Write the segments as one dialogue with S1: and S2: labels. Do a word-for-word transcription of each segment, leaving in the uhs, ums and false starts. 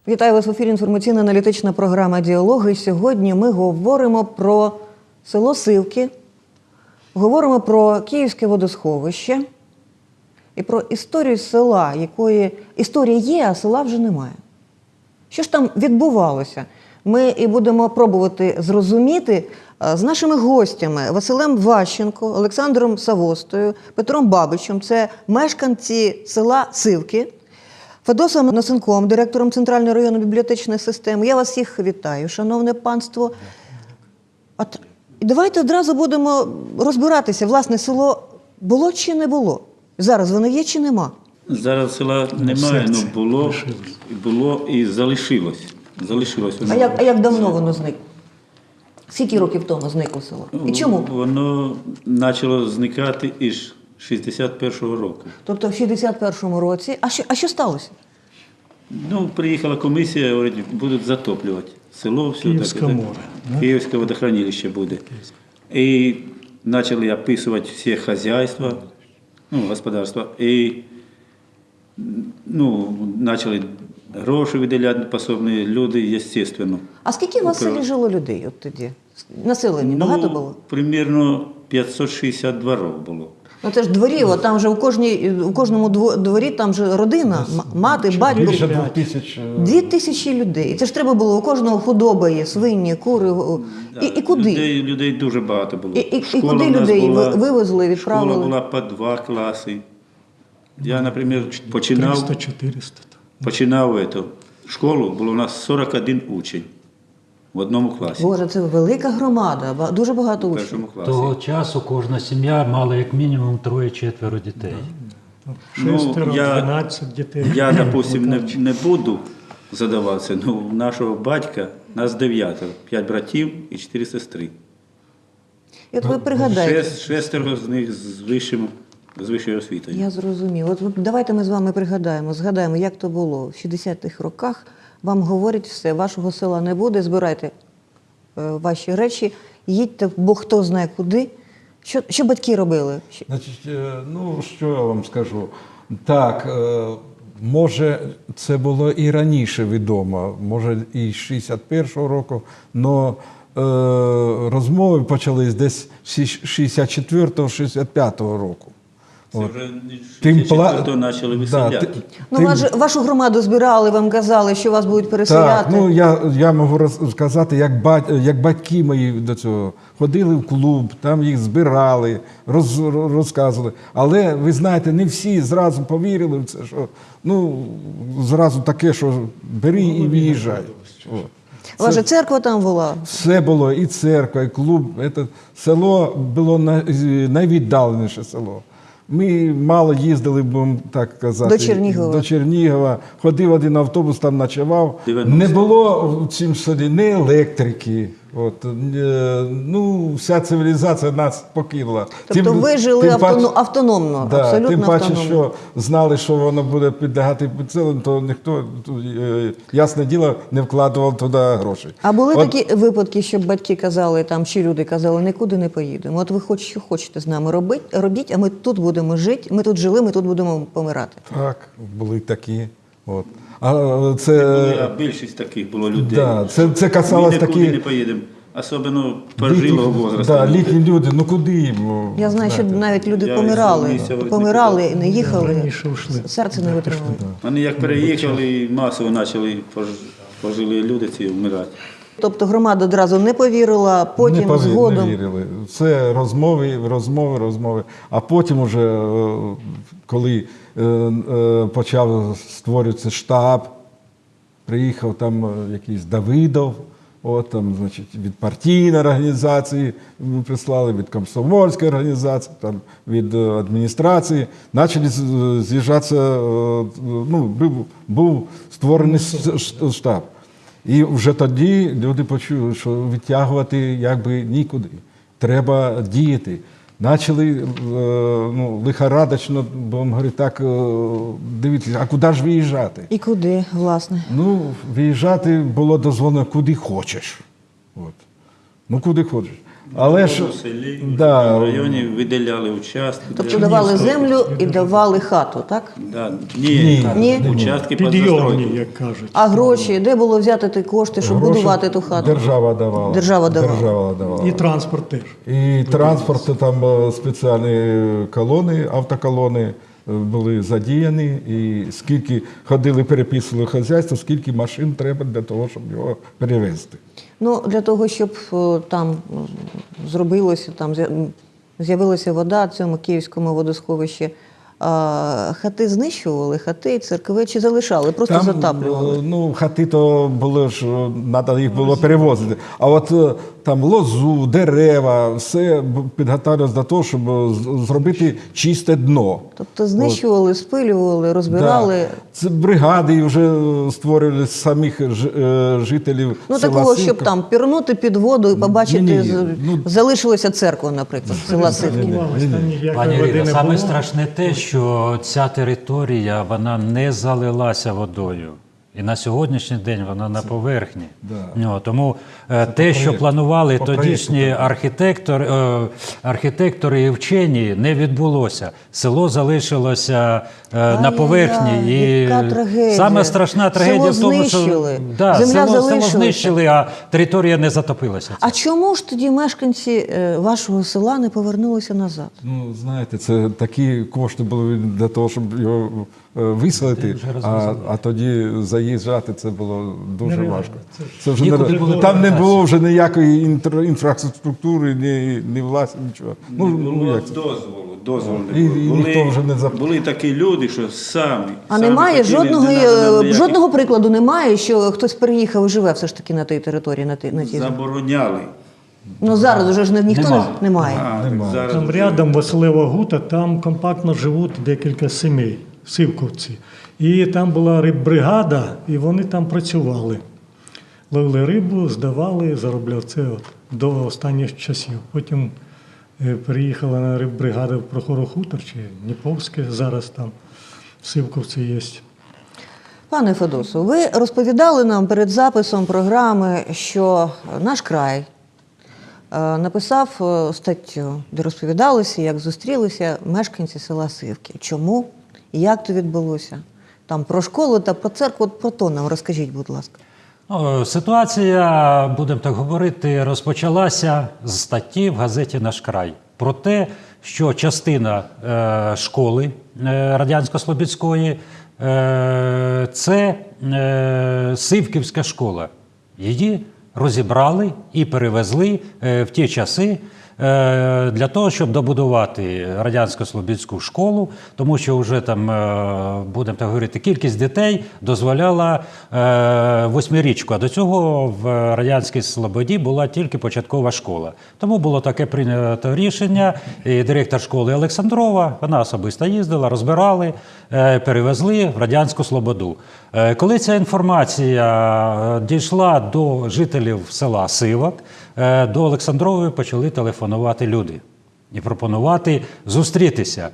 S1: Вітаю вас в ефірі інформаційно-аналітична програма «Діалоги». Сьогодні ми говоримо про село Сивки, говоримо про Київське водосховище і про історію села, якої історія є, а села вже немає. Що ж там відбувалося? Ми і будемо пробувати зрозуміти з нашими гостями Василем Ващенко, Олександром Савостою, Петром Бабичем. Це мешканці села Сивки. Федосом Носенком, директором Центральної районної бібліотечної системи. Я вас всіх вітаю, шановне панство. От, давайте одразу будемо розбиратися, власне, село було чи не було? Зараз воно є чи нема?
S2: Зараз села немає, але було, було і залишилось. залишилось воно.
S1: А як, а як давно воно зникло? Скільки років тому зникло село? І чому?
S2: Воно почало зникати із шістдесят першого року.
S1: Тобто в шістдесят першому році. А що, а що сталося?
S2: Ну, приїхала комісія, говорить, будуть затоплювати село, все
S3: Київське
S2: так,
S3: море.
S2: Так, Київське водохранилище буде. І почали описувати всі хазяйства, ну, господарства, і ну, почали гроші виділяти пособні люди, звісно.
S1: А скільки у вас в селі жило людей от тоді? Населення багато було?
S2: Ну, примірно п'ятсот шістдесят дворів було.
S1: Ну це ж дворів, а там же у, кожній, у кожному дворі там же родина, м- мати, батько.
S3: Більше двох тисяч.
S1: Дві тисячі людей. Це ж треба було, у кожного худоба є, свині, кури. І, і куди?
S2: Людей, людей дуже багато було.
S1: І, і, і
S2: Школа
S1: куди
S2: в нас
S1: людей
S2: була,
S1: вивезли, відправили?
S2: Школа була по два класи. Я, наприклад, починав,
S3: триста-чотириста.
S2: починав эту школу, було у нас сорок один учень в одному класі.
S1: Боже, це велика громада, ба- дуже багато
S2: В
S1: учнів.
S2: першому класі.
S4: Того часу кожна сім'я мала як мінімум троє-четверо дітей.
S3: Шестеро,
S2: Ну, я-
S3: дванадцять дітей.
S2: Я, допустим, не, не буду задаватися, але у нашого батька нас дев'ятеро, п'ять братів і чотири сестри.
S1: І от ви пригадайте.
S2: Шест, шестеро з них з вищим, з вищою освітою.
S1: Я зрозумів. От ви- давайте ми з вами пригадаємо, згадаємо, як то було. В шістдесятих роках вам говорять все, вашого села не буде, збирайте е, ваші речі, їдьте, бо хто знає куди. Що, що батьки робили? Що-
S3: Значить, е, ну, що я вам скажу. Так, е, може, це було і раніше відомо, може, і з шістдесят першого року, але розмови почались десь з шістдесят четвертого - шістдесят п'ятого року.
S2: Це
S3: От.
S2: вже
S3: Тим
S2: шістдесят
S3: пла-
S2: четвертого почали
S3: Да,
S2: виселяти.
S3: ти-
S1: Ну,
S3: тим-
S1: вас же- вашу громаду збирали, вам казали, що вас будуть
S3: Так,
S1: переселяти.
S3: ну я, я можу розказати, як, бать, як батьки мої до цього ходили в клуб, там їх збирали, роз, розказували. Але ви знаєте, не всі зразу повірили в це, що ну зразу таке, що бери і виїжджай. О.
S1: У вас же церква там була.
S3: Все було, і церква, і клуб. Це село було най- найвіддаленіше село. Ми мало їздили, будемо так казати,
S1: До Чернігова.
S3: до Чернігова. Ходив один автобус, там ночував.
S2: дев'яносто.
S3: Не було в цім селі ні електрики. От, е, ну, вся цивілізація нас покинула.
S1: Тобто ви жили автоно- автономно,
S3: да,
S1: абсолютно
S3: тим паче,
S1: автономно.
S3: що знали, що воно буде підлягати підселенню, то ніхто, е, ясне діло, не вкладував туди гроші.
S1: А були
S3: От,
S1: такі випадки, щоб батьки казали, там, чи люди казали, нікуди не поїдемо. От ви хоч що хочете з нами робити, робіть, а ми тут будемо жити, ми тут жили, ми тут будемо помирати.
S3: Так, були такі. От. А
S2: Були,
S3: це,
S2: а більшість таких було людей.
S3: да, це, це
S2: Ми
S3: касалось
S2: нікуди
S3: такі
S2: не поїдемо. Особливо пожилого возрасту.
S3: да, літні люди, ну куди їм?
S1: Я знаю, що
S3: знаєте.
S1: навіть люди
S2: Я
S1: помирали,
S2: із місця
S1: помирали і не їхали,
S3: Раніше ушли.
S1: серце не витримало.
S2: Вони як переїхали, і масово почали пож- пожили люди ці вмирати.
S1: Тобто громада одразу не повірила, потім
S3: не, пові-
S1: згодом.
S3: не вірили. Це розмови, розмови, розмови. А потім уже, е, коли е, е, почав створюватися штаб, приїхав там е, якийсь Давидов, от там, значить, від партійної організації ми прислали, від комсомольської організації, там, від е, адміністрації. Почали з- з'їжджатися, е, ну, був, був створений с- ш- штаб. І вже тоді люди почули, що відтягувати якби нікуди. Треба діяти. Почали е, ну, лихорадочно, будемо говорити, так, е, дивитися, а куди ж виїжджати?
S1: І куди, власне?
S3: Ну, виїжджати було дозволено куди хочеш. От. Ну, куди хочеш. Але ж
S2: в селі,
S3: да,
S2: в районі виділяли участки.
S1: Тобто
S2: для-
S1: давали землю і давали хату, так?
S2: Да. Ні,
S1: Ні.
S2: участки під
S5: Підйомні,
S2: застройку.
S5: як кажуть.
S1: А гроші, де було взяти ті кошти, щоб
S3: гроші
S1: будувати ту хату?
S3: Держава давала.
S1: Держава давала.
S3: Держава давала.
S5: І транспорт теж.
S3: І транспорт, там е, спеціальні колони, автоколони е, були задіяні, і скільки ходили, переписували хазяйство, скільки машин треба для того, щоб його перевезти.
S1: Ну, для того, щоб е, там м, зробилося, там з'я- м, з'явилася вода в цьому київському водосховищі, а, хати знищували, хати, церкви чи залишали, просто
S3: Там,
S1: затаплювали.
S3: е, ну, хати то були ж, треба їх було перевозити. А от е, там лозу, дерева, все б- підготовлювалося до того, щоб е, з- зробити чисте дно.
S1: Тобто знищували, спилювали, розбирали.
S3: Да. Це бригади вже створювали з самих ж- е, жителів
S1: Ну,
S3: села
S1: такого,
S3: Сивка.
S1: щоб там пірнути під воду і побачити,
S3: Ні-ні,
S1: з-
S3: ну-
S1: залишилася церква, наприклад, села Сивки.
S5: Рятувалось, там ніякої
S4: Пані
S5: води
S4: Ірино,
S5: не
S4: саме
S5: було.
S4: страшне те, що ця територія вона не залилася водою. І на сьогоднішній день вона на поверхні.
S3: Да.
S4: Ну, тому е, те, що
S3: проєкту.
S4: планували
S3: По
S4: тодішні
S3: проєкту,
S4: архітектор, е, архітектори і вчені, не відбулося. Село залишилося е, на
S1: Ай-яй-яй,
S4: поверхні. І
S1: яка трагедія.
S4: саме страшна трагедія
S1: Село
S4: в тому, що
S1: знищили.
S4: да,
S1: Земля
S4: село, село
S1: залишилася.
S4: знищили, а територія не затопилася.
S1: А чому ж тоді мешканці е, вашого села не повернулися назад?
S3: Ну, знаєте, це такі кошти були для того, щоб його е, виселити, а, а тоді заїжджати це було дуже
S5: Нереально.
S3: важко. Це вже
S4: Нікуди
S3: не,
S4: було
S3: там не
S4: вертатися.
S3: було вже ніякої інтр, інфраструктури, ні, ні власні, нічого. Ну,
S2: Не
S3: ну
S2: було
S3: як це?
S2: дозволу, дозволу не
S3: І-
S2: було.
S3: і
S2: були,
S3: ніхто вже не зап-
S2: були такі люди, що самі.
S1: А
S2: самі
S1: немає
S2: хотіли,
S1: жодного,
S2: не надо нам
S1: е,
S2: ніяких-
S1: жодного прикладу немає, що хтось переїхав і живе все ж таки на тій території, на тій, на тій.
S2: Забороняли.
S1: Ну зараз уже ж не- ніхто
S4: Нема.
S1: не немає.
S2: А, так зараз
S5: Там
S2: вже-
S5: рядом Василева Гута, там компактно живуть декілька сімей, сивковці. І там була риббригада, і вони там працювали. Ловили рибу, здавали, заробляли це от, до останніх часів. Потім е, переїхала на риббригаду в Прохорохутор, чи Дніповське, зараз там Сивковці є.
S1: Пане Федосу, ви розповідали нам перед записом програми, що наш край е, написав е, статтю, де розповідалося, як зустрілися мешканці села Сивки. Чому і як це відбулося? Там про школу та про церкву, от про то нам розкажіть, будь ласка.
S4: Ну, ситуація, будемо так говорити, розпочалася з статті в газеті «Наш край» про те, що частина е, школи е, Радянсько-Слобідської е, – це е, Сивківська школа. Її розібрали і перевезли е, в ті часи е, для того, щоб добудувати Радянсько-Слобідську школу, тому що вже там, е, будемо так говорити, кількість дітей дозволяла е, восьмирічку, а до цього в Радянській Слободі була тільки початкова школа. Тому було таке прийнято рішення, і директор школи Олександрова, вона особисто їздила, розбирали, е, перевезли в Радянську Слободу. Е, Коли ця інформація е, дійшла до жителів села Сивок, е, до Олександрової почали телефонувати люди і пропонувати зустрітися.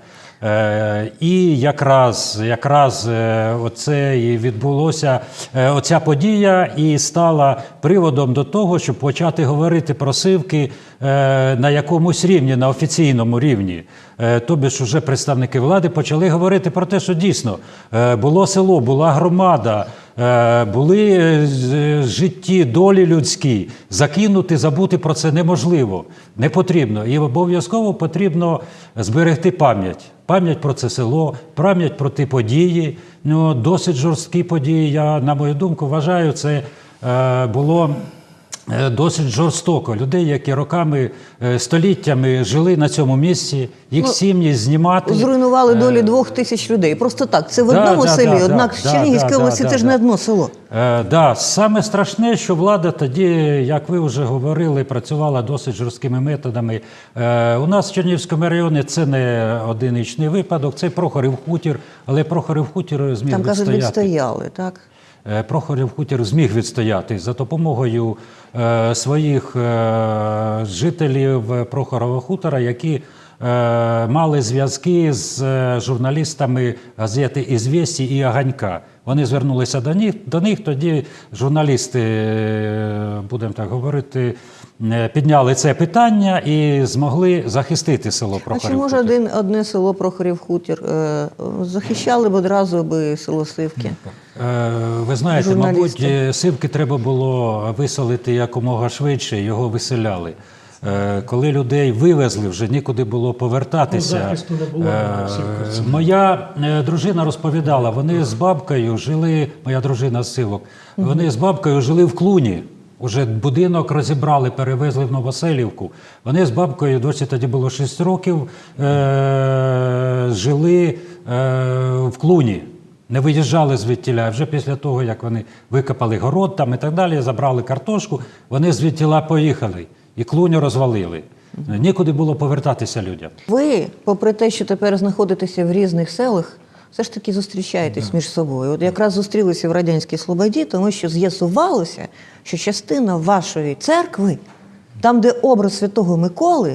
S4: Е, І якраз, якраз е, оце і відбулося, е, оця подія і стала приводом до того, щоб почати говорити про Сивки е, на якомусь рівні, на офіційному рівні. Е, Тобі ж уже представники влади почали говорити про те, що дійсно е, було село, була громада, е, були е, з- житті, долі людські. Закинути, забути про це неможливо, не потрібно. І обов'язково потрібно зберегти пам'ять. Пам'ять про це село, пам'ять про ті події. Ну, досить жорсткі події, я, на мою думку, вважаю, це е, було е, досить жорстоко. Людей, які роками, е, століттями жили на цьому місці, їх
S1: Ну,
S4: сім'ї знімати.
S1: Зруйнували долі двох тисяч людей. Просто так. Це в
S4: Да,
S1: одному
S4: да,
S1: селі,
S4: да,
S1: однак
S4: да,
S1: в Чернігівській
S4: да,
S1: області
S4: да,
S1: це ж
S4: да.
S1: не одно село.
S4: Е, да, саме страшне, що влада тоді, як ви вже говорили, працювала досить жорсткими методами. Е, у нас в Чернігівському районі це не одиничний випадок, це Прохорів хутір, але Прохорів хутір зміг
S1: Там, кажуть,
S4: відстояти.
S1: відстояли, так?
S4: Е, Прохорів хутір зміг відстояти за допомогою е, своїх е, жителів Прохорова хутора, які е, мали зв'язки з е, журналістами газети «Ізвєсті» і «Аганька». Вони звернулися до них, до них тоді журналісти, е, будемо так говорити, е, підняли це питання і змогли захистити село
S1: А
S4: Прохорів.
S1: чи може
S4: Хутір.
S1: один, одне село Прохорів Хутір е, захищали б одразу би село Сивки?
S4: Е, Ви знаєте,
S1: Журналісти.
S4: мабуть, е, Сивки треба було виселити якомога швидше, його виселяли. Е, Коли людей вивезли, вже нікуди було повертатися.
S5: Ну, захисту не було,
S4: Е,
S5: в Сивківці.
S4: Моя е, дружина розповідала, вони з бабкою жили, моя дружина з Сивок, вони з бабкою жили в Клуні. Уже будинок розібрали, перевезли в Новоселівку. Вони з бабкою, досі тоді було шість років, е- жили е- в Клуні. Не виїжджали звідтіля. Вже після того, як вони викопали город там і так далі, забрали картошку, вони звідтіля поїхали. І Клуню розвалили. Нікуди було повертатися людям.
S1: Ви, попри те, що тепер знаходитеся в різних селах, все ж таки зустрічаєтесь між собою. От якраз зустрілися в Радянській Слободі, тому що з'ясувалося, що частина вашої церкви, там, де образ Святого Миколи,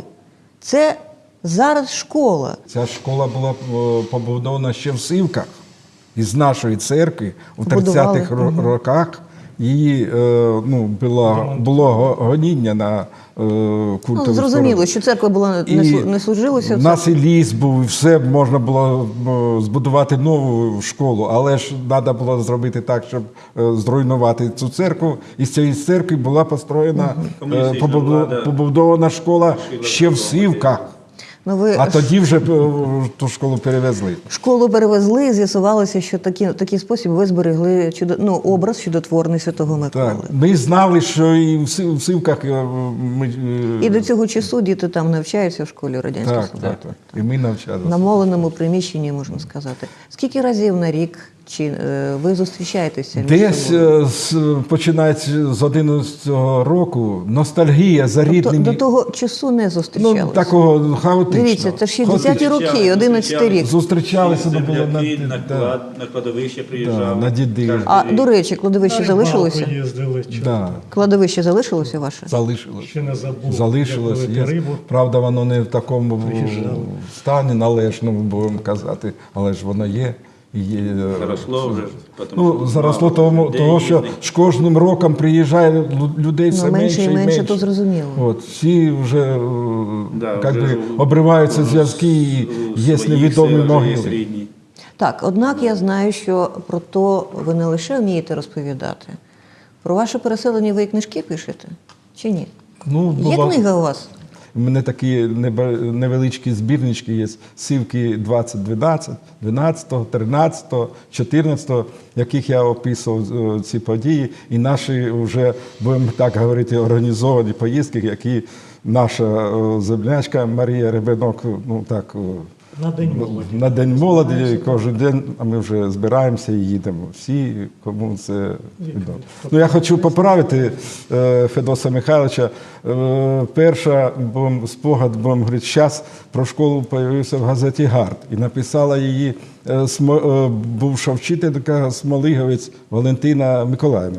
S1: це зараз школа.
S3: Ця школа була е, побудована ще в Сивках. Із нашої церкви у
S1: Побудували.
S3: тридцятих ро- роках її е, ну, було, було го- гоніння на е, культову
S1: Ну, зрозуміло,
S3: сторону.
S1: що церква була не, слу- не служилася.
S3: У нас і ліс був, і все можна було е, збудувати нову школу, але ж треба було зробити так, щоб е, зруйнувати цю церкву. І з цієї церкви була построєна, е,
S2: Комуністична
S3: побудо-
S2: влада
S3: побудована школа ще в Сивках.
S1: Ну, ви
S3: А тоді вже е, ту школу перевезли.
S1: школу перевезли, і з'ясувалося, що такі, такий спосіб ви зберегли чудо, ну, образ чудотворний Святого Миколи.
S3: Так. Ми знали, що і в Сив- в Сивках е, ми, е,
S1: І до цього часу діти там навчаються в школі Радянської
S3: так,
S1: Слободи.
S3: так, так. І ми навчалися.
S1: Намоленому приміщенні, можна сказати. Скільки разів на рік чи е, ви зустрічаєтеся? між
S3: Десь
S1: собою?
S3: е, з, починаючи з одинадцятого року ностальгія за
S1: Тобто
S3: рідними.
S1: до того часу не зустрічалися?
S3: Ну, такого хаотично.
S1: Дивіться, це ж шістдесяті
S3: Хаотично.
S1: роки, одинадцятий рік.
S3: Зустрічалися, ну, було на,
S2: Земляки, на,
S3: да,
S2: клад, на кладовище
S3: да,
S2: приїжджали.
S3: на діди.
S2: Кожен
S1: А,
S2: рік.
S1: до речі, кладовище
S5: На
S1: залишилося?
S5: рибалку їздили, чи
S3: Да,
S1: Кладовище залишилося ваше?
S3: залишилось.
S5: ще не забув.
S3: Залишилось.
S5: як
S3: Є.
S5: ловити рибу.
S3: Правда, воно не в такому
S5: Приїжджали.
S3: стані належному, будемо казати, але ж воно є. І є.
S2: Заросло вже. тому
S3: Ну,
S2: що
S3: заросло
S2: мало
S3: тому,
S2: людей
S3: того, що
S2: їздить.
S3: з кожним роком приїжджає лю- людей все
S1: Ну, менше
S3: менше
S1: і
S3: і
S1: менше,
S3: менше.
S1: то зрозуміло.
S3: От, всі вже, е,
S2: Да,
S3: як
S2: вже
S3: би,
S2: у-
S3: обриваються
S2: у-
S3: зв'язки і
S2: у
S3: є
S2: своїх
S3: невідомі
S2: селах вже є
S3: могили.
S2: рідні.
S1: Так, однак я знаю, що про то ви не лише вмієте розповідати. Про ваше переселення ви і книжки пишете? Чи ні?
S3: Ну,
S1: Є
S3: бува-
S1: книга у вас?
S3: У мене такі неба- невеличкі збірнички є. Сивки двадцять дванадцять, дванадцятого, тринадцятого, чотирнадцятого, яких я описував е, ці події. І наші вже, будемо так говорити, організовані поїздки, які наша е, землячка Марія Ребенок, ну так, е,
S5: На День молоді.
S3: на День молоді кожен день, а ми вже збираємося і їдемо. Всі, кому це відомо. Ну, я хочу поправити е, Федоса Михайловича. Е, перша бом, спогад, будемо говорити, час про школу з'явився в газеті «Гард». І написала її е, смо, е, бувша вчителька Смолиговець Валентина Миколаївна.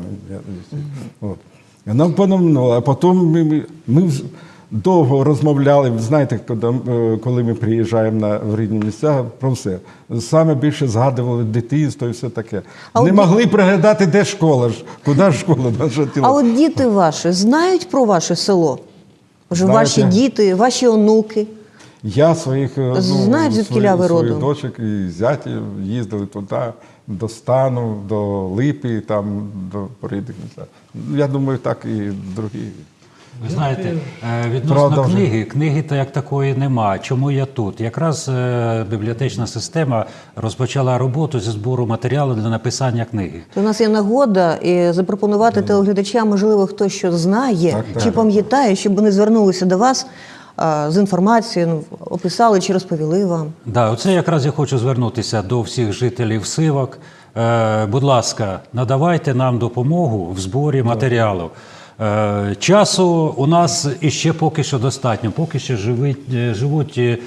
S3: От. Вона поновнула, а потім ми, ми, ми вз- довго розмовляли, знаєте, коли, е, коли ми приїжджаємо на в рідні місця, про все. Саме більше згадували дитинство і все таке.
S1: А
S3: Не
S1: от
S3: могли пригадати, де школа ж, куди ж школа наша
S1: А
S3: тіла.
S1: от діти ваші знають про ваше село? Вже
S3: Знають,
S1: ваші
S3: я-
S1: діти, ваші онуки.
S3: Я своїх е,
S1: Знають, звідкіля ви
S3: своїх
S1: родом?
S3: дочок і зятів їздили туди, до Стану, до Липи, там, до рідних місць. Я думаю, так і другі.
S4: Ви знаєте, е, відносно
S3: Правда вже.
S4: книги, книги то як такої нема. Чому я тут? Якраз е, бібліотечна система розпочала роботу зі збору матеріалу для написання книги.
S1: То у нас є нагода і запропонувати телеглядачам, можливо, хтось що знає
S3: Так, так.
S1: чи пам'ятає, щоб вони звернулися до вас а, з інформацією, ну, описали чи розповіли вам.
S4: Да, оце якраз я хочу звернутися до всіх жителів Сивок. Е, будь ласка, надавайте нам допомогу в зборі матеріалу. Е, часу у нас іще поки що достатньо. Поки що живуть, е, живуть е,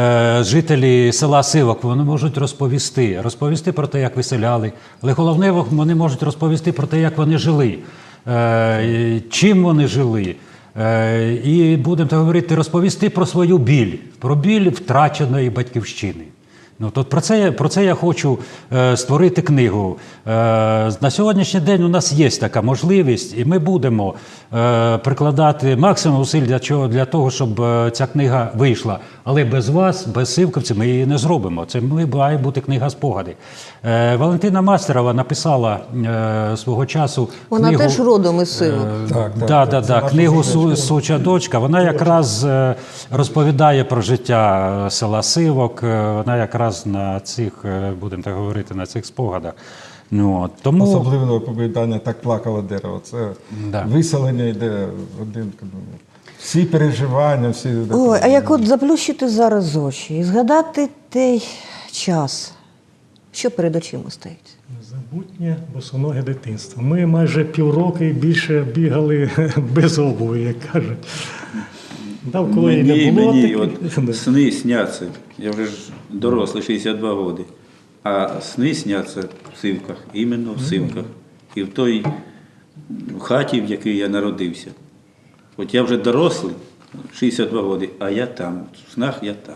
S4: жителі села Сивок. Вони можуть розповісти, розповісти про те, як виселяли. Але головне, вони можуть розповісти про те, як вони жили, е, чим вони жили. Е, І будемо так говорити, розповісти про свою біль, про біль втраченої батьківщини. Ну, то про це, я- про це я хочу е, створити книгу. Е, на сьогоднішній день у нас є така можливість, і ми будемо е, прикладати максимум зусиль для, чого, для того, щоб е, ця книга вийшла. Але без вас, без сивковців, ми її не зробимо. Це ми- має бути книга спогади. Е, Валентина Мастерова написала е, свого часу
S1: Вона
S4: книгу,
S1: теж родом із Сивок.
S3: Так, так,
S4: да,
S3: так.
S4: да,
S3: Це
S4: да.
S3: наша
S4: Книгу
S3: задача.
S4: «Су- Суча дочка». Вона якраз е, розповідає про життя е, села Сивок. Е, Вона якраз на цих, е, будемо так говорити, на цих спогадах. Ну, от, тому
S3: Особливо оповідання «Так плакало дерево». Це
S4: Да.
S3: виселення йде один. ну, Всі переживання, всі.
S1: Ой, а як от заплющити зараз очі і згадати той час, що перед очима стоїть?
S5: Незабутнє босоноге дитинство. Ми майже півроку і більше бігали без обуви, як кажуть. Навколо і
S2: Мені,
S5: не було
S2: мені
S5: таких.
S2: от сни сняться. Я вже ж дорослий, шістдесят два роки. А сни сняться в Сивках, іменно в Сивках. І в той хаті, в якій я народився. От я вже дорослий, шістдесят два роки, а я там, в снах я там.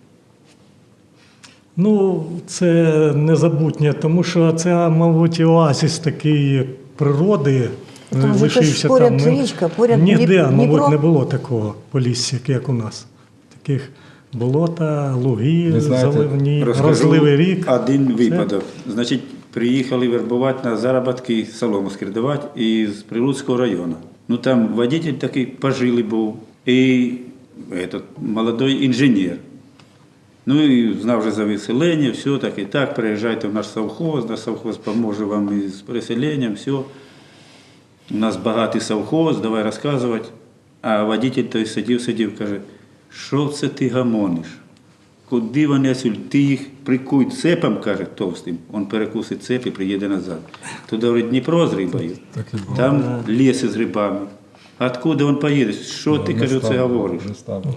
S5: Ну, це незабутнє, тому що це, мабуть, оазис такий природи.
S1: Там же теж поряд
S5: Ну,
S1: річка, поряд
S5: ніде,
S1: Дніп-
S5: мабуть,
S1: Дніпро.
S5: не було такого полісся, як у нас. Таких болота, луги,
S3: Ви знаєте,
S5: заливні,
S2: Розкажу
S5: розливий рік.
S2: один випадок. Значить, приїхали вербувати на заробітки солому скирдувати із Прилуцького району. Ну там водитель такий пожилий був і этот, молодой інженер. Ну і знав вже за виселення, все так і так, приїжджайте в наш совхоз, наш совхоз поможе вам із переселенням, все. У нас багатий совхоз, давай розказувати. А водитель той сидів, сидів, каже, що це ти гамониш? Куди вони отсюль? Ти їх прикуй цепом, каже, товстим. Він перекусить цеп і приїде назад. Туди, говорить, Дніпро з рибою,
S3: Так і було.
S2: там ліси з рибами. А откуда він поїде? Що ти,
S3: Не
S2: кажу, це
S3: ставили,
S2: говориш?
S3: не ставили.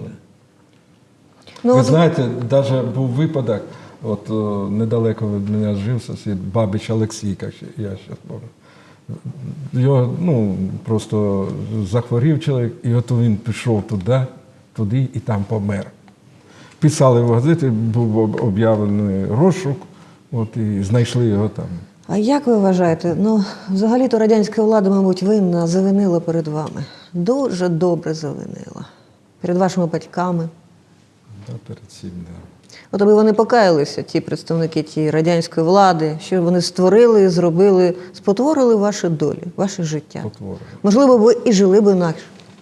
S1: Ну,
S3: Ви
S1: от-
S3: знаєте, навіть був випадок, от о, недалеко від мене жив сусід Бабич Олексій, як ще- я ще пам'ятаю. Його ну, просто захворів чоловік, і от він пішов туди, туди і там помер. Писали в газеті, був об- об'явлений розшук, от, і знайшли його там.
S1: А як ви вважаєте? Ну, взагалі-то радянська влада, мабуть, винна, завинила перед вами. Дуже добре завинила. Перед вашими батьками.
S3: Да, перед цим, да.
S1: От аби вони покаялися, ті представники тієї радянської влади, що вони створили, зробили, спотворили ваші долі, ваше життя.
S3: Потворили.
S1: Можливо, ви і жили б інакше.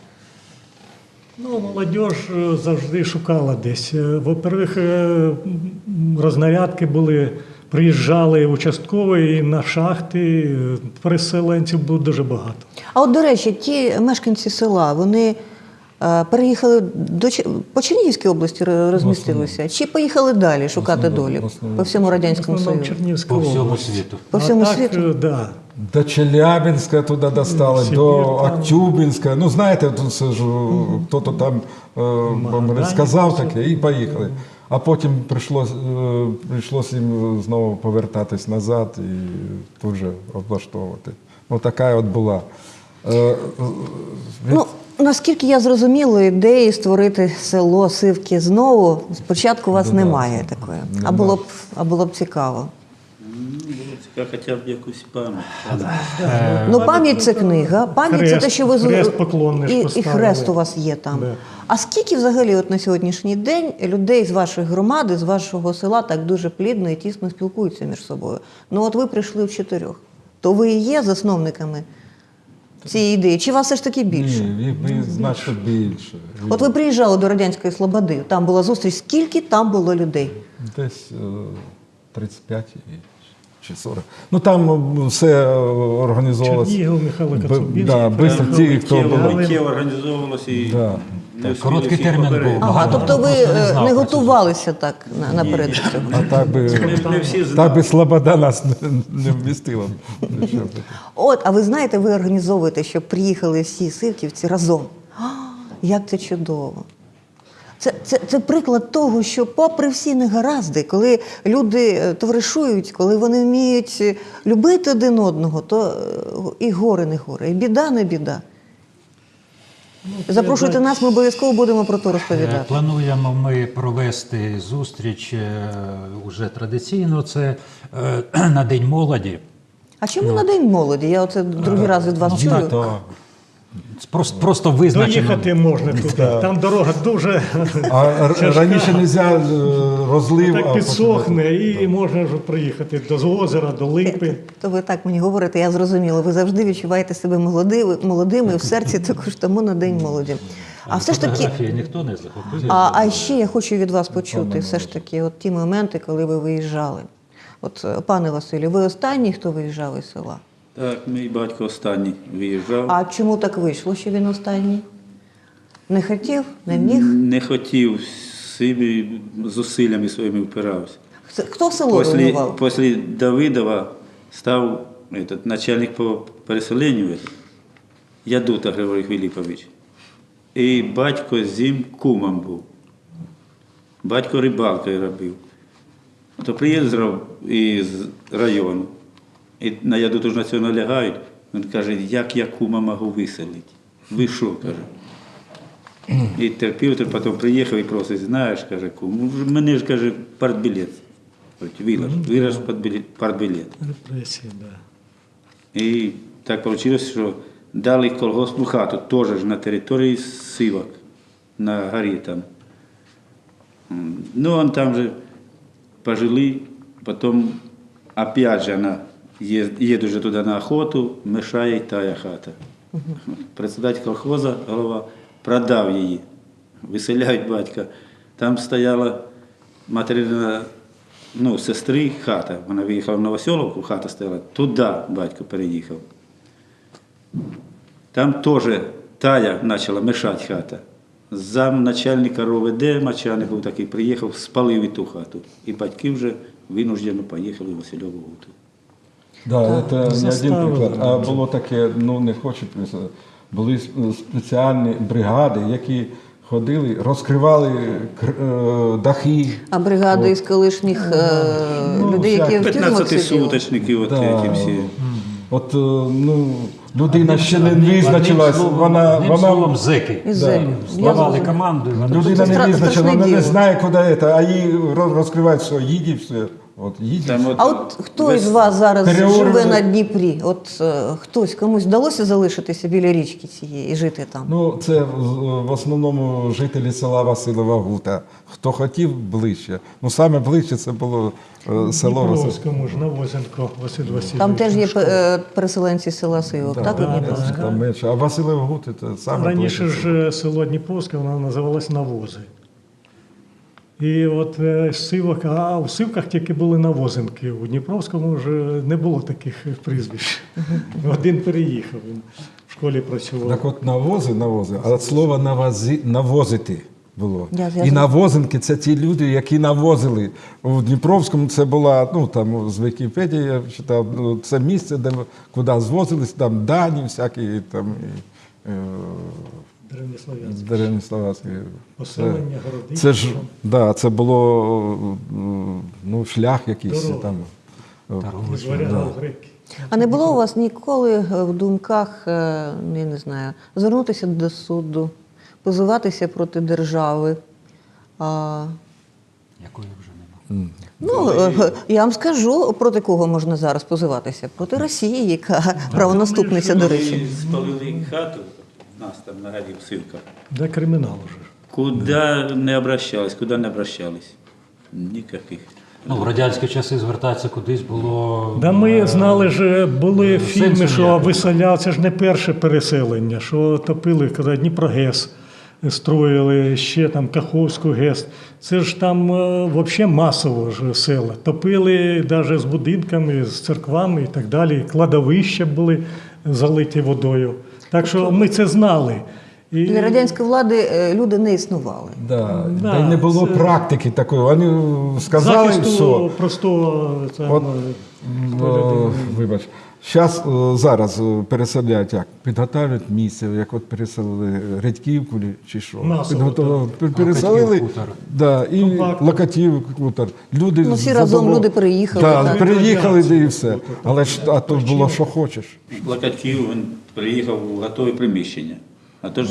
S5: Ну, молодь е, завжди шукала десь. Е, Во-первых, е, м, рознарядки були, приїжджали участкові і на шахти, е, переселенців було дуже багато.
S1: А от, до речі, ті мешканці села, вони е, переїхали до Чи- по Чернігівській області ро- розмістилися, чи поїхали далі шукати
S3: основному-
S1: долі
S3: в основному.
S1: по всьому Радянському
S5: В основному
S1: Союзу?
S5: Чернігівська
S4: по всьому
S5: область.
S4: світу.
S1: По
S5: А
S1: всьому
S5: так,
S1: світу?
S5: е, Да.
S3: До Челябинська туди достали,
S5: Сибір
S3: до
S5: там.
S3: Актюбинська. Ну, знаєте, тут це ж хто-то там е, вам
S5: Магадані
S3: розказав
S5: все.
S3: таке і поїхали. А потім прийшлось, е, прийшлось їм знову повертатись назад і тут же облаштовувати. Ну, така от була. Е, е,
S1: Ну, наскільки я зрозуміла, ідеї створити село Сивки знову, спочатку у вас
S3: Ну, да,
S1: немає
S3: це
S1: такої. А
S3: нема.
S1: було б, а було б цікаво.
S2: Цікаво, хоча б якусь пам'ять.
S1: Ну, пам'ять це книга, пам'ять це
S5: Хрест-
S1: те, що ви з-
S5: хрест поклонний ж
S1: і, і
S5: поставили.
S1: хрест у вас є там.
S5: Да.
S1: А скільки взагалі от на сьогоднішній день людей з вашої громади, з вашого села так дуже плідно і тісно спілкуються між собою? Ну от ви прийшли в чотирьох. То ви і є засновниками цієї ідеї? Чи вас все ж таки більше?
S3: Ні, їх би значно більше.
S1: От ви приїжджали до Радянської Слободи, там була зустріч, скільки там було людей?
S3: Десь е, тридцять п'ять і- чи сорок. Ну там все організовувалося.
S5: Чернігів, Михайло
S3: Б-
S5: Коцюбинський.
S3: Да, бистро
S2: Там
S3: ті, хто
S2: миттєво-
S3: було.
S2: миттєво організовувалося і
S3: Да.
S2: не встигли
S4: Короткий
S2: всіх
S4: термін
S2: попередити.
S4: був.
S1: Ага,
S4: Багато
S1: тобто ви
S4: просто не
S1: е,
S4: знав
S1: не
S4: про це.
S1: готувалися так на, наперед до цього?
S3: А так би,
S2: Не, не всі
S3: так
S2: знали.
S3: би Слобода нас не, не вмістила. Нічого.
S1: От, а ви знаєте, ви організовуєте, щоб приїхали всі сивківці разом. А, як це чудово! Це, це, це приклад того, що попри всі негаразди, коли люди е, товаришують, коли вони вміють е, любити один одного, то е, і горе не горе, і біда не біда. Запрошуйте нас, ми обов'язково будемо про то
S4: Е,
S1: розповідати.
S4: Плануємо ми провести зустріч е, уже традиційно, це е, на День молоді.
S1: А чому на День молоді? Я оце другий раз від вас чую.
S3: То,
S4: Просто, просто визначено.
S5: Доїхати можна туди. Там дорога дуже
S3: а р- раніше не можна розлив. а
S5: так
S3: потім-
S5: підсохне, і можна вже приїхати до озера, до липи.
S1: То ви так мені говорите, я зрозуміла. Ви завжди відчуваєте себе молодими, молодими в серці також тому на День молоді. А все ж таки,
S4: Фотографії ніхто не захопив.
S1: а, а ще я хочу від вас почути все ж таки от ті моменти, коли ви виїжджали. От, е, пане Василю, ви останній, хто виїжджав із села?
S2: Так, мій батько останній виїжджав.
S1: А чому так вийшло, що він останній? Не хотів, не міг?
S2: Не хотів, собі зусиллями своїми впирався.
S1: Хто в село
S2: Після,
S1: руйнував?
S2: після Давидова став этот, начальник по переселенню, этот, Ядута Григорій Філіпович. І батько з ним кумом був. Батько рибалкою робив. То приїздив із району. І на Ядуту ж на цього налягають. Він каже, як я кума можу виселити? Ви що, каже. І терпів, то потім приїхав і просить, знаєш, каже, кум, мене ж, каже, партбілет. Вилаж, вираж партбілет.
S5: Репресії, да.
S2: І так вийшло, що дали колгоспну хату, теж ж на території Сивок, на горі там. М, Ну, он там же пожили, потім опять же она їде вже туди на охоту, мешає й тая хата. Председатель колхоза, голова, продав її, виселяють батька. Там стояла материна, ну, сестри хата. Вона виїхала в Новоселовку, хата стояла, туди батько переїхав. Там теж тая почала мешати хата. Зам начальника РОВД, Мачаник був такий, приїхав, спалив і ту хату. І батьки вже винуждено поїхали в Васильову Гуту.
S3: Да, це не один
S5: заставили.
S3: приклад. А було таке, ну не хочу писати, були спеціальні бригади, які ходили, розкривали кр- е, дахи.
S1: А бригади із колишніх е,
S3: Ну,
S1: людей, які в тюрмах сиділи?
S2: п'ятнадцятисуточники, от
S3: Да.
S2: ті всі.
S3: От е, ну, людина ще не визначилась, вона,
S4: Одним
S3: вона
S4: словом, зеки.
S1: Із зеків. Я
S4: Здавали
S1: зрозуміла.
S4: команду. і вони
S3: людина
S1: Це
S3: не
S1: стра-
S3: визначила,
S1: страшне
S3: вона не
S1: діло.
S3: знає, куди це, а їй роз- розкривають все, їдь і все. От, їдь.
S2: Там от
S1: А от хто
S2: весь-
S1: із вас зараз
S3: Переорали.
S1: живе на Дніпрі? От е, хтось, комусь вдалося залишитися біля річки цієї і жити там?
S3: Ну, це в в основному жителі села Василова Гута. Хто хотів ближче. Ну, саме ближче це було е, село Василь.
S5: Дніпровському ж, Навозенко, Василь Васильович.
S1: Там теж є е, переселенці з села Сивок, так? у
S5: да,
S1: Дніпровську?
S5: да.
S3: Там менше. А Василова Гута це саме
S5: Раніше
S3: ближче.
S5: ж е, село Дніпровське, воно називалось Навози. І от е, Сивок, а в Сивках тільки були Навозенки. У Дніпровському вже не було таких прізвищ. Один переїхав, він в школі працював.
S3: Так от навози, навози, а от слово навози, навозити було.
S1: Я- я
S3: І
S1: зрозуміла.
S3: навозинки це ті люди, які навозили. У Дніпровському це була, ну там з Вікіпедії я читав, ну, це місце, де куди звозились, там дані всякі, там і, е,
S5: Древнеслов'янське.
S3: Деревні-Словацькі.
S5: Поселення, городи.
S3: Це ж, да, це було м, ну, шлях якийсь
S5: Дорога.
S3: там.
S5: Із варягів греки.
S1: А не було у вас ніколи е, в думках, е, я не знаю, звернутися до суду, позиватися проти держави? А,
S4: Якої вже нема.
S1: ну, е, я вам скажу, проти кого можна зараз позиватися? Проти Росії, яка правонаступниця, до речі.
S2: Коли спалили хату, в нас там на горі в Сивках,
S5: Де кримінал уже.
S2: куди не обращались, куди не обращались? Ніяких.
S4: Ну, в радянські часи звертатися кудись було.
S5: Да ми знали ж, були
S4: сенсу
S5: фільми, що
S4: ніякого.
S5: виселяли, це ж не перше переселення, що топили, коли Дніпрогес строїли, ще там Каховську ГЕС. Це ж там взагалі масово ж села. Топили навіть з будинками, з церквами і так далі. Кладовища були залиті водою. Так що ми це знали. І...
S1: Для радянської влади е, люди не існували.
S3: Да.
S5: Да,
S3: Та й не було
S5: це-
S3: практики такої. Вони сказали
S5: захисту
S3: все.
S5: простого там,
S3: От,
S5: е,
S3: О, вибач. Зараз, зараз е, переселяють як? Підготовлюють місце, як от переселили Редьківку чи що.
S5: Масово,
S3: Підготовили, пер- переселили,
S4: Локатів, хутор.
S3: да, і
S5: Компактно.
S3: Локатів, хутор. Люди
S1: Ну, всі разом
S3: задовол-
S1: люди переїхали,
S3: Да,
S1: так.
S3: переїхали да, і все.
S5: От, от,
S3: Але ж а то було, що хочеш.
S2: Локатів, він приїхав у готове приміщення. А то ж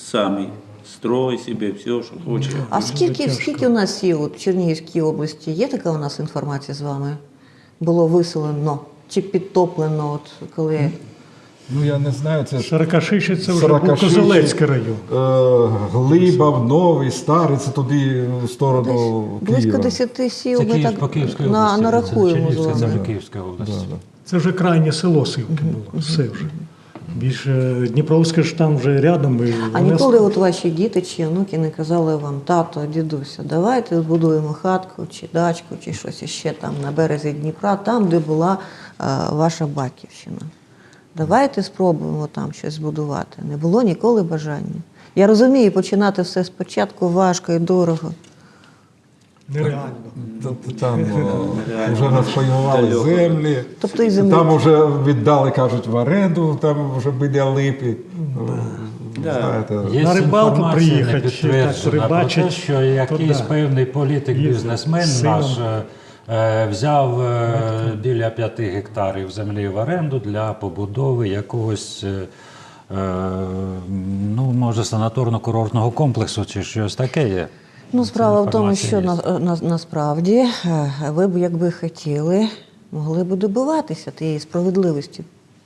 S2: самі. Строй собі, все, що хоче.
S1: А скільки,
S5: тяжко.
S1: скільки у нас є от в Чернігівській області? Є така у нас інформація з вами? Було виселено чи підтоплено, от коли
S3: Ну, я не знаю, це
S5: Сорокашиші це вже був
S3: Сорокашиші,
S5: Козелецький район.
S3: е, Глибав, Новий, Старий, це туди в сторону
S1: близько
S3: Києва.
S1: десяти сіл
S4: Це
S1: ми
S4: Київ,
S1: так
S4: по Київській
S1: на,
S4: області.
S1: нарахуємо з
S4: Чернігівська, це
S1: вами.
S4: вже Київська область.
S5: Це вже крайнє село Сивки було. Все вже. Більше Дніпровське ж там вже рядом. І
S1: А
S5: вони
S1: ніколи от ваші діти чи онуки не казали вам, тато, дідуся, давайте збудуємо хатку чи дачку, чи щось іще там на березі Дніпра, там, де була е, ваша батьківщина. Давайте спробуємо там щось збудувати. Не було ніколи бажання. Я розумію, починати все спочатку важко і дорого.
S5: нереально.
S3: Тобто там о, вже розпаювали землі,
S1: Тобто і землі.
S3: там вже віддали, кажуть, в оренду, там вже біля липи.
S2: Да.
S3: Знаєте,
S4: Є
S5: На рибалку
S4: інформація
S5: приїхати,
S4: не
S5: чи так
S4: підтверджена про
S5: рибачить,
S4: те, що якийсь
S5: то да.
S4: певний політик-бізнесмен
S5: Їздив з
S4: наш
S5: сином.
S4: е, взяв е, біля п'яти гектарів землі в оренду для побудови якогось, е, е, ну, може, санаторно-курортного комплексу чи щось таке є.
S1: Ну, справа в тому,
S4: інформація
S1: що
S4: є.
S1: на, на, насправді е, ви б, якби хотіли, могли б добиватися тієї справедливості.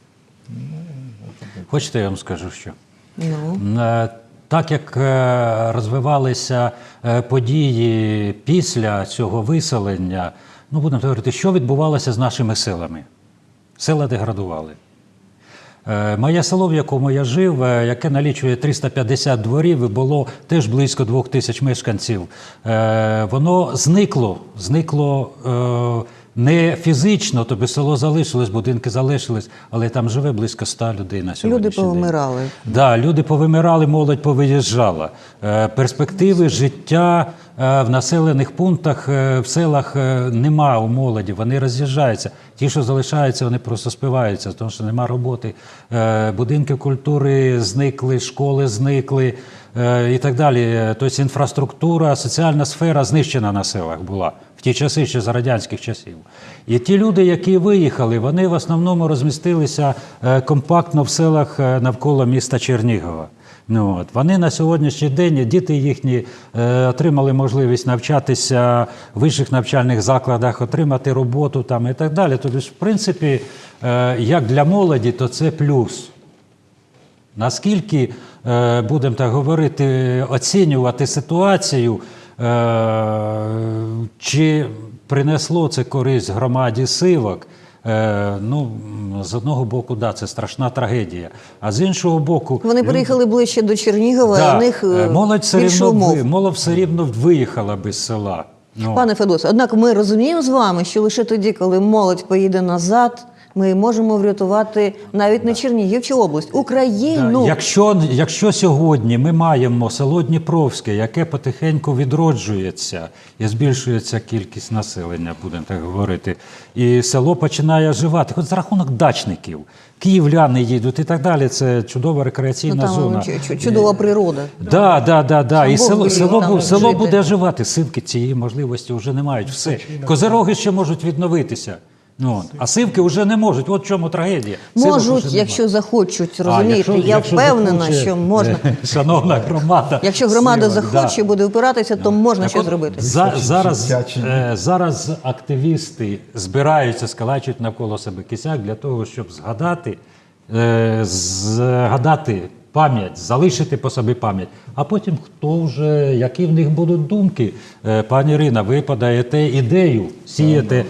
S4: Хочете, я вам скажу, що?
S1: Ну.
S4: Е, Так як е, розвивалися е, події після цього виселення, ну, будемо говорити, що відбувалося з нашими селами? Села деградували. Е, Моє село, в якому я жив, е, яке налічує триста п'ятдесят дворів і було теж близько двох тисяч мешканців, е, воно зникло, зникло е, не фізично, тобто село залишилось, будинки залишились, але там живе близько ста людей на сьогоднішній
S1: Люди
S4: день.
S1: повимирали.
S4: Да, люди повимирали, молодь повиїжджала. Е, Перспективи життя е, в населених пунктах, е, в селах е, нема у молоді, вони роз'їжджаються. Ті, що залишаються, вони просто спиваються, тому що нема роботи. Е, Будинки культури зникли, школи зникли е, і так далі. Тобто інфраструктура, соціальна сфера знищена на селах була в ті часи, ще за радянських часів. І ті люди, які виїхали, вони в основному розмістилися е, компактно в селах е, навколо міста Чернігова. Ну, от. Вони на сьогоднішній день, діти їхні е, отримали можливість навчатися в вищих навчальних закладах, отримати роботу там і так далі. Тобто, в принципі, е, як для молоді, то це плюс. Наскільки, е, будемо так говорити, оцінювати ситуацію, е, чи принесло це користь громаді Сивок, е, ну, з одного боку, да, це страшна трагедія, а з іншого боку...
S1: Вони переїхали ближче до Чернігова,
S4: Да,
S1: у них
S4: е,
S1: е,
S4: молодь все
S1: більше
S4: рівно,
S1: умов.
S4: ви- молодь все рівно виїхала без села. Ну,
S1: Пане Федосе, однак ми розуміємо з вами, що лише тоді, коли молодь поїде назад, ми можемо врятувати навіть не Чернігів чи область, Україну.
S4: Да, Якщо, якщо сьогодні ми маємо село Дніпровське, яке потихеньку відроджується і збільшується кількість населення, будемо так говорити, і село починає оживати, хоч за рахунок дачників, київляни їдуть і так далі, це чудова
S1: Ну,
S4: рекреаційна
S1: там
S4: зона.
S1: чу- чу- чудова природа.
S4: Да, да, да, да.
S1: Сам
S4: І
S1: Бог
S4: село,
S1: велів
S4: село,
S1: там
S4: бу- село
S1: жити.
S4: буде оживати. Сивки цієї можливості вже не мають. Все. Козироги ще можуть відновитися. Ну, от. А сивки вже не можуть. От в чому трагедія. Сивок уже
S1: Можуть,
S4: нема.
S1: якщо захочуть,
S4: А,
S1: розумієте,
S4: якщо-
S1: я
S4: якщо
S1: впевнена,
S4: захоче,
S1: що можна.
S4: е, Шановна громада.
S1: Якщо громада
S4: Сивок,
S1: захоче,
S4: да.
S1: буде опиратися, то можна
S4: Так
S1: щось
S4: от,
S1: зробити.
S4: За, зараз,
S3: життя чи ні?
S4: е, зараз активісти збираються, скалачують навколо себе кисяк для того, щоб згадати, е, згадати пам'ять, залишити по собі пам'ять. А потім хто вже, які в них будуть думки. Е, Пані Ірина, ви подаєте ідею, сієте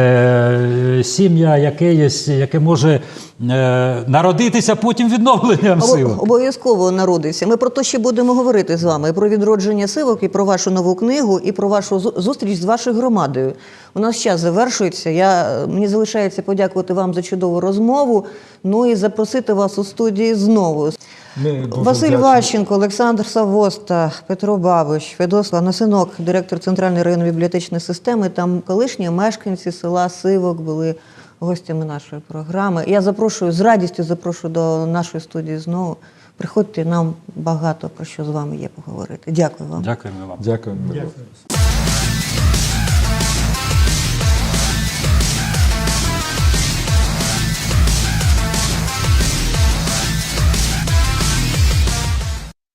S4: е, сім'я якеїсь, яке може е, народитися потім відновленням
S1: Обо-
S4: сил.
S1: Обов'язково народиться. Ми про те ще будемо говорити з вами, і про відродження сивок, і про вашу нову книгу, і про вашу зу- зустріч з вашою громадою. У нас час завершується. Я, мені залишається подякувати вам за чудову розмову, ну і запросити вас у студії знову.
S3: Ми дуже
S1: Василь
S3: вдячні.
S1: Ващенко, Олександр Савоста, Петро Бабич, Федос Ланасинок, директор Центральної районної бібліотечної системи, там колишні мешканці села Сивок були гостями нашої програми. Я запрошую, з радістю запрошую до нашої студії знову. Приходьте, нам багато про що з вами є поговорити. Дякую вам.
S4: Дякуємо вам.
S3: Дякую.
S5: Дякую.